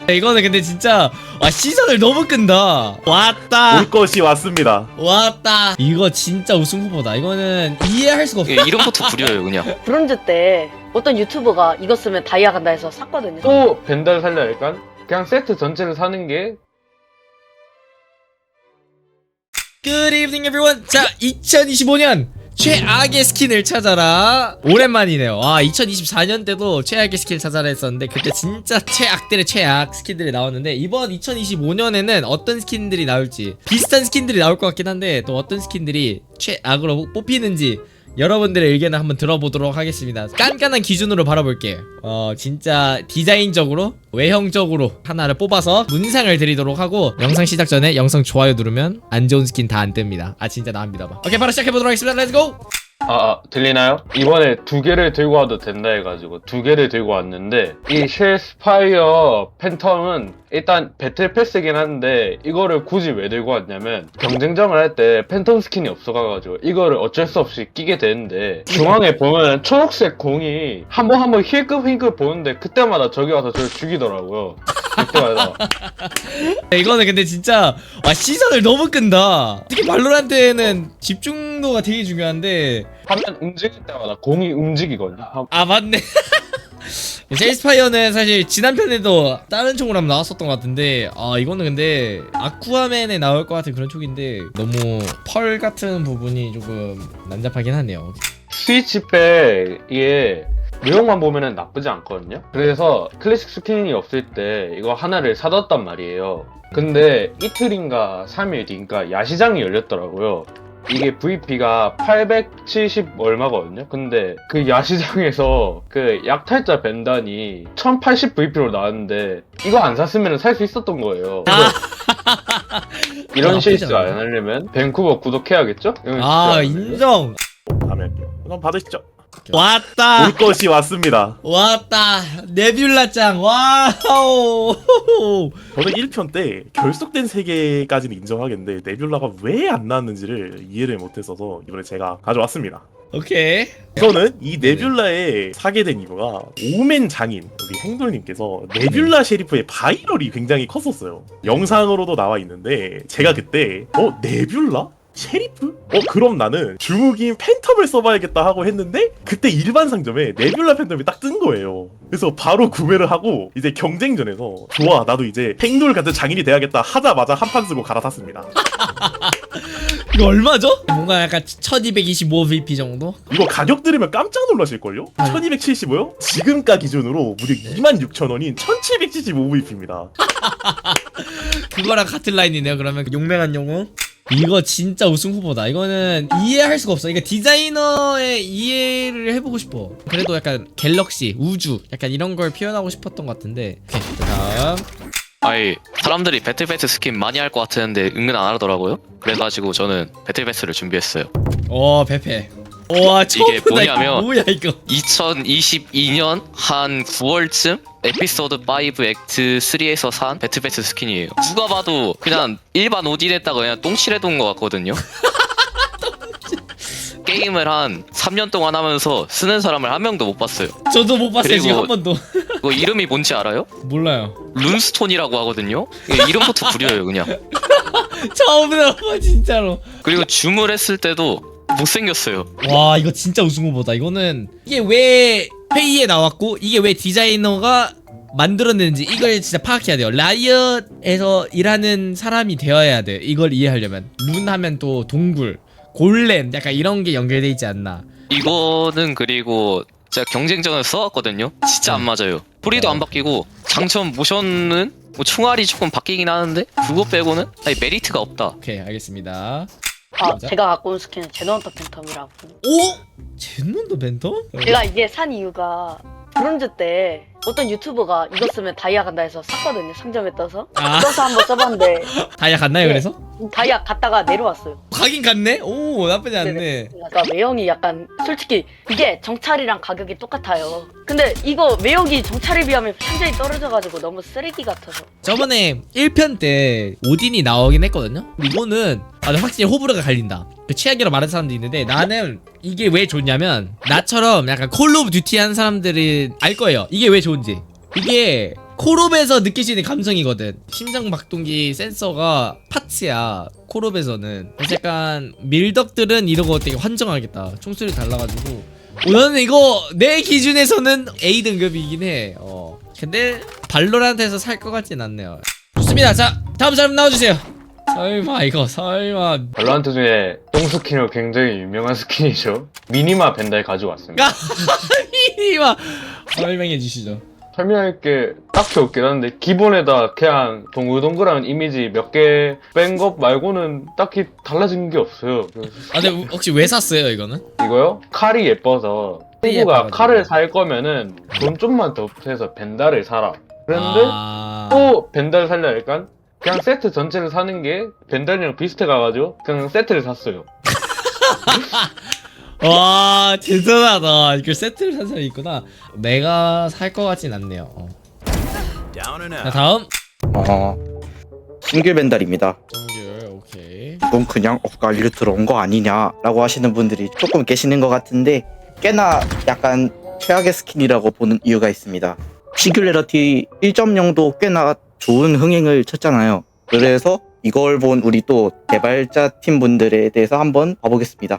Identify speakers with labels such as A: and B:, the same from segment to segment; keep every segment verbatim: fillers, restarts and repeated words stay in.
A: 이거는 근데 진짜 와 시선을 너무 끈다. 왔다
B: 올 것이 왔습니다.
A: 왔다. 이거 진짜 우승 후보다. 이거는 이해할 수가 없어.
C: 예, 이름부터 구려요 그냥.
D: 브론즈 때 어떤 유튜버가 이거 쓰면 다이아 간다 해서 샀거든요.
E: 또 벤달 살려 할까? 그냥 세트 전체를 사는 게
A: Good evening everyone. 자 이천이십오 년 최악의 스킨을 찾아라. 오랜만이네요. 와 이천이십사 년 때도 최악의 스킨을 찾아라 했었는데 그때 진짜 최악들의 최악 스킨들이 나왔는데 이번 이천이십오 년에는 어떤 스킨들이 나올지 비슷한 스킨들이 나올 것 같긴 한데 또 어떤 스킨들이 최악으로 뽑히는지 여러분들의 의견을 한번 들어보도록 하겠습니다. 깐깐한 기준으로 바라볼게요. 어 진짜 디자인적으로 외형적으로 하나를 뽑아서 문상을 드리도록 하고 영상 시작 전에 영상 좋아요 누르면 안 좋은 스킨 다 안 뜹니다. 아 진짜 나옵니다. 오케이 바로 시작해보도록 하겠습니다. 렛츠고!
E: 아, 아 들리나요? 이번에 두 개를 들고 와도 된다 해가지고 두 개를 들고 왔는데 이 쉘스파이어 팬텀은 일단 배틀 패스긴 한데 이거를 굳이 왜 들고 왔냐면 경쟁전을 할 때 팬텀 스킨이 없어가지고 이거를 어쩔 수 없이 끼게 되는데 중앙에 보면 초록색 공이 한 번 한 번 힐끔 힐끔 보는데 그때마다 저기 와서 저를 죽이더라고요. 그때마다.
A: 이거는 근데 진짜 와 시선을 너무 끈다. 특히 발로란트에는 집중도가 되게 중요한데
E: 화면 움직일 때마다 공이 움직이거든요.
A: 아 맞네. 셀스파이어는 사실 지난 편에도 다른 총으로 한번 나왔었던 것 같은데 아 이거는 근데 아쿠아맨에 나올 것 같은 그런 촉인데 너무 펄 같은 부분이 조금 난잡하긴 하네요.
E: 스위치백 내용만 보면은 나쁘지 않거든요. 그래서 클래식 스킨이 없을 때 이거 하나를 사뒀단 말이에요. 근데 이틀인가 삼 일 뒤인가 야시장이 열렸더라고요. 이게 브이피가 팔백칠십 얼마거든요. 근데 그 야시장에서 그 약탈자 벤단이 천팔십 브이피로 나왔는데 이거 안 샀으면 살 수 있었던 거예요. 그래서 이런 실수 안 하려면 밴쿠버 구독해야겠죠? 이런
A: 아
E: 실수 안 하려면.
A: 인정.
B: 다음에 할게요. 그럼 받으시죠.
A: 왔다
B: 올 것이 왔습니다.
A: 왔다 네뷸라짱 와우.
B: 저는 일 편 때 결속된 세계까지는 인정하겠는데 네뷸라가 왜 안 나왔는지를 이해를 못했어서 이번에 제가 가져왔습니다.
A: 오케이.
B: 저는 이 네뷸라에 사게 된 이유가 오멘 장인 우리 행돌님께서 네뷸라 셰리프의 바이럴이 굉장히 컸었어요. 영상으로도 나와 있는데 제가 그때 어 네뷸라? 셰리프? 어 그럼 나는 주무기인 팬텀을 써봐야겠다 하고 했는데 그때 일반 상점에 네뷸라 팬텀이 딱 뜬 거예요. 그래서 바로 구매를 하고 이제 경쟁전에서 좋아 나도 이제 행돌 같은 장인이 돼야겠다 하자마자 한 판 쓰고 갈아탔습니다.
A: 이거 얼마죠? 뭔가 약간 천이백이십오 브이피 정도?
B: 이거 가격 들으면 깜짝 놀라실걸요? 천이백칠십오요? 지금가 기준으로 무려 이만 육천 원인 천칠백칠십오 브이피입니다.
A: 그거랑 같은 라인이네요. 그러면 용맹한 영웅. 이거 진짜 우승 후보다. 이거는 이해할 수가 없어. 이거 디자이너의 이해를 해보고 싶어. 그래도 약간 갤럭시, 우주 약간 이런 걸 표현하고 싶었던 것 같은데. 오케이 다음.
C: 아이 사람들이 배틀패스 스킨 많이 할 것 같았는데 은근 안 하더라고요. 그래가지고 저는 배틀패스를 준비했어요.
A: 오 베페. 와 처음
C: 이게
A: 보다. 이거
C: 뭐냐면
A: 뭐야 이거.
C: 이천이십이 년 한 구월쯤 에피소드 오 액트 삼에서 산 배틀패스 스킨이에요. 누가 봐도 그냥 일반 오딘에다가 그냥 똥칠해둔 것 같거든요. 게임을 한 삼 년 동안 하면서 쓰는 사람을 한 명도 못 봤어요.
A: 저도 못 봤어요
C: 그리고-
A: 지금 한 번도.
C: 그거 이름이 뭔지 알아요?
A: 몰라요.
C: 룬스톤이라고 하거든요. 이게 이름부터 구려요 그냥.
A: 처음 들어봐 진짜로.
C: 그리고 줌을 했을 때도 못생겼어요.
A: 와 이거 진짜 우승 후보다. 이거는 이게 왜 회의에 나왔고 이게 왜 디자이너가 만들어냈는지 이걸 진짜 파악해야 돼요. 라이엇에서 일하는 사람이 되어야 돼. 이걸 이해하려면 룬 하면 또 동굴, 골렘 약간 이런 게 연결돼 있지 않나.
C: 이거는 그리고 제가 경쟁전을 써왔거든요. 진짜 안 맞아요. 뿌리도 안 바뀌고 장전 모션은 뭐 총알이 조금 바뀌긴 하는데 그거 빼고는 아니 메리트가 없다.
A: 오케이 알겠습니다.
D: 아,
A: 맞아?
D: 제가 갖고 온 스킨은 제너헌터 팬텀이라고.
A: 오? 젠론도 벤텀?
D: 제가 이게 산 이유가 브론즈 때 어떤 유튜버가 이거 쓰면 다이아 간다 해서 샀거든요. 상점에 떠서.
A: 아.
D: 떠서 한번 써봤는데
A: 다이아 갔나요
D: 네.
A: 그래서?
D: 다이아 갔다가 내려왔어요.
A: 가긴 갔네? 오 나쁘지 않네.
D: 네네. 그러니까 외형이 약간 솔직히 이게 정찰이랑 가격이 똑같아요. 근데 이거 외형이 정찰에 비하면 완전히 떨어져가지고 너무 쓰레기 같아서.
A: 저번에 일 편 때 오딘이 나오긴 했거든요. 이거는 아, 확실히 호불호가 갈린다. 그 취향이라고 말하는 사람도 있는데 나는 이게 왜 좋냐면 나처럼 약간 콜 오브 듀티 하는 사람들은 알 거예요. 이게 왜 좋은지. 이게 콜옵에서 느낄 수 있는 감성이거든. 심장박동기 센서가 파츠야 콜옵에서는. 그래서 약간 밀덕들은 이러고 되게 환정하겠다. 총소리 달라가지고 어, 나는 이거 내 기준에서는 A 등급이긴 해. 어. 근데 발로란트에서 살 것 같진 않네요. 좋습니다. 자 다음 사람 나와주세요. 설마 이거 설마
E: 발로란트 중에 똥 스킨으로 굉장히 유명한 스킨이죠. 미니마 벤달 가져왔습니다.
A: 미니마 설명해 주시죠.
E: 설명할 게 딱히 없긴 한데 기본에다 그냥 동글동글한 이미지 몇 개 뺀 것 말고는 딱히 달라진 게 없어요. 그래서
A: 아 근데 혹시 왜 샀어요 이거는?
E: 이거요? 칼이 예뻐서
A: 칼이
E: 친구가
A: 예뻐가지고.
E: 칼을 살 거면은 돈 좀만 더 해서 벤달을 사라. 그런데
A: 아...
E: 또 벤달 살려 하니까 그냥 세트 전체를 사는 게 벤달이랑 비슷해 가가지고 그냥 세트를 샀어요.
A: 와 대단하다. 이걸 세트를 산 사람이 있구나. 내가 살 것 같진 않네요. 어. 자 다음
F: 어, 신규 벤달입니다.
A: 정규 오케이.
F: 이건 그냥 엇갈려 들어온 거 아니냐라고 하시는 분들이 조금 계시는 것 같은데 꽤나 약간 최악의 스킨이라고 보는 이유가 있습니다. 싱귤레러티 일 점 영도 꽤나 좋은 흥행을 쳤잖아요. 그래서 이걸 본 우리 또 개발자 팀 분들에 대해서 한번 봐보겠습니다.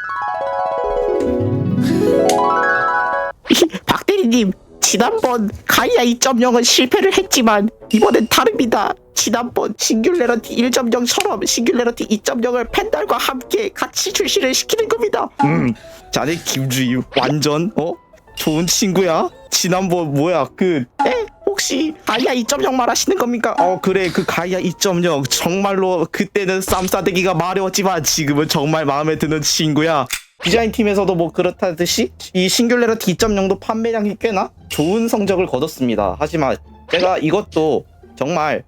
G: 박대리님, 지난번 가이아 이 점 영은 실패를 했지만 이번엔 다릅니다. 지난번 싱귤레러티 일 점 영처럼 싱귤레러티 이 점 영을 펜달과 함께 같이 출시를 시키는 겁니다.
F: 음, 자네 김주희 완전 어 좋은 친구야. 지난번 뭐야 그
G: 에? 혹시 가이아 이 점 영 말하시는 겁니까?
F: 어 그래 그 가이아 이 점 영 정말로 그때는 쌈싸대기가 마려웠지만 지금은 정말 마음에 드는 친구야. 디자인 팀에서도 뭐 그렇다듯이 이 싱귤레러티 이 점 영도 판매량이 꽤나 좋은 성적을 거뒀습니다. 하지만 제가 이것도 정말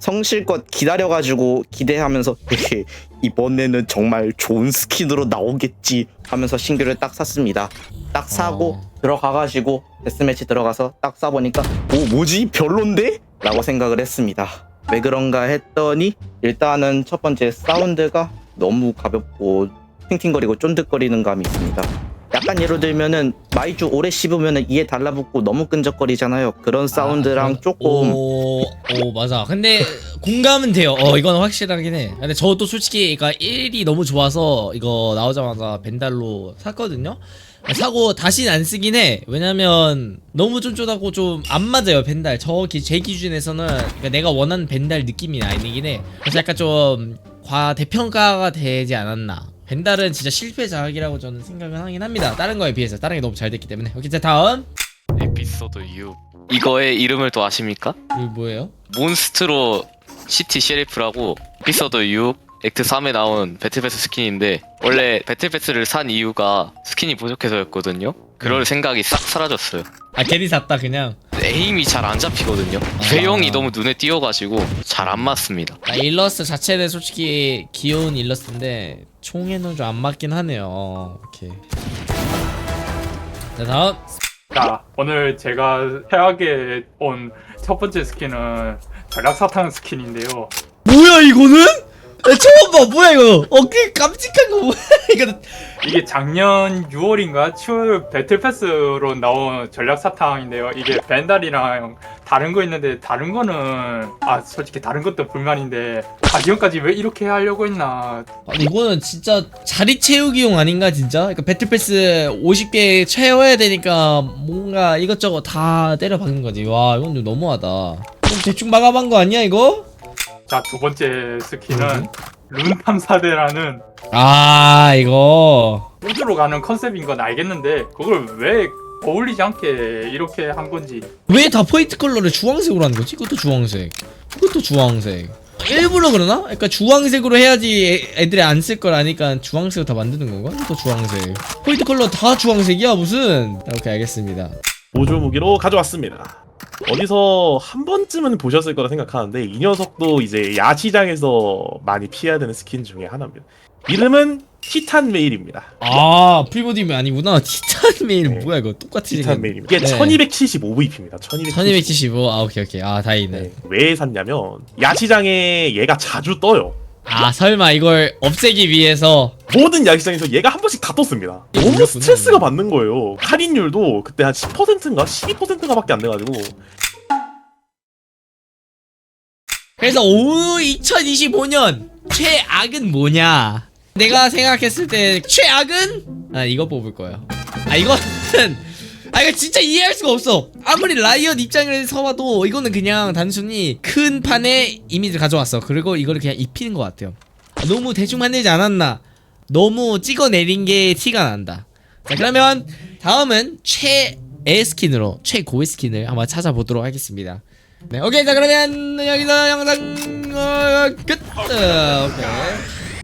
F: 성실껏 기다려가지고 기대하면서 헤헤 이번에는 정말 좋은 스킨으로 나오겠지 하면서 신규를 딱 샀습니다. 딱 사고
A: 어.
F: 들어가가지고 데스매치 들어가서 딱 쏴보니까 오 뭐지 별론데? 라고 생각을 했습니다. 왜 그런가 했더니 일단은 첫 번째 사운드가 너무 가볍고 팅팅거리고 쫀득거리는 감이 있습니다. 약간 예로 들면은 마이쮸 오래 씹으면은 이에 달라붙고 너무 끈적거리잖아요. 그런 사운드랑
A: 아,
F: 조금
A: 오, 오 맞아. 근데 공감은 돼요. 어 이건 확실하긴 해. 근데 저도 솔직히 그러니까 일이 너무 좋아서 이거 나오자마자 벤달로 샀거든요. 사고 다시는 안 쓰긴 해. 왜냐면 너무 쫀쫀하고 좀 안 맞아요 벤달. 저 제 기준에서는 그러니까 내가 원하는 벤달 느낌이 아니긴 해. 그래서 약간 좀 과대평가가 되지 않았나. 벤달은 진짜 실패 자학이라고 저는 생각을 하긴 합니다. 다른 거에 비해서 다른 게 너무 잘 됐기 때문에. 오케이 자 다음
C: 에피소드 육. 이거의 이름을 또 아십니까?
A: 이거 뭐예요?
C: 몬스트로 시티 셰리프라고 에피소드 육 액트 삼에 나온 배틀패스 스킨인데 원래 배틀패스를 산 이유가 스킨이 부족해서였거든요. 그럴 생각이 싹 사라졌어요.
A: 아 괜히 샀다 그냥.
C: 에임이 잘 안 잡히거든요.
A: 아.
C: 외형이 너무 눈에 띄어가지고 잘 안 맞습니다.
A: 아, 일러스트 자체는 솔직히 귀여운 일러스트인데 총에는 좀 안 맞긴 하네요. 어, 오케이. 자 다음
H: 자, 오늘 제가 해하게 온 첫 번째 스킨은 전략사탕 스킨인데요.
A: 뭐야 이거는? 나 처음 봐. 뭐야 이거? 어, 그 깜찍한 거 뭐야 이거?
H: 이게 작년 유월인가 칠월 배틀패스로 나온 전략사탕인데요. 이게 벤달이랑 다른 거 있는데 다른 거는 아 솔직히 다른 것도 불만인데 가디언까지 왜 이렇게 하려고 했나.
A: 아니 이거는 진짜 자리 채우기용 아닌가 진짜? 그러니까 배틀패스 오십 개 채워야 되니까 뭔가 이것저것 다 때려 박는 거지. 와 이건 좀 너무하다. 좀 대충 마감한 거 아니야 이거?
H: 자, 두 번째 스킨은 룬 탐사대라는
A: 아 이거
H: 우주로 가는 컨셉인 건 알겠는데 그걸 왜 어울리지 않게 이렇게 한 건지.
A: 왜 다 포인트 컬러를 주황색으로 하는 거지? 이것도 주황색, 이것도 주황색. 일부러 그러나? 그러니까 주황색으로 해야지 애, 애들이 안 쓸 걸 아니까 주황색으로 다 만드는 건가? 이것도 주황색. 포인트 컬러 다 주황색이야 무슨? 오케이 알겠습니다.
B: 보조 무기로 가져왔습니다. 어디서 한 번쯤은 보셨을 거라 생각하는데 이 녀석도 이제 야시장에서 많이 피해야 되는 스킨 중에 하나입니다. 이름은 티탄 메일입니다.
A: 아 프리모디움 아니구나. 티탄 메일
B: 네.
A: 뭐야 이거 똑같이
B: 티탄 메일입니다. 이게
A: 네.
B: 천이백칠십오 브이피입니다.
A: 천이백칠십오. 아 오케이 오케이. 아 다행이네.
B: 네. 왜 샀냐면 야시장에 얘가 자주 떠요.
A: 아 설마 이걸 없애기 위해서?
B: 모든 야시장에서 얘가 한 번씩 다 떴습니다.
A: 이게
B: 너무
A: 몰렸구나.
B: 스트레스가 받는 거예요. 할인율도 그때 한 십 퍼센트인가 십이 퍼센트가 밖에 안 돼가지고
A: 그래서 오 이천이십오 년 최악은 뭐냐? 내가 생각했을 때 최악은 아 이거 뽑을 거예요. 아 이거는 아 이거 진짜 이해할 수가 없어. 아무리 라이엇 입장에서 봐도 이거는 그냥 단순히 큰 판에 이미지를 가져왔어. 그리고 이거를 그냥 입히는 것 같아요. 너무 대충 만들지 않았나? 너무 찍어내린 게 티가 난다. 자 그러면 다음은 최애 스킨으로 최고의 스킨을 한번 찾아보도록 하겠습니다. 네 오케이 자 그러면 여기서 영상 어, 끝. 어, 오케이.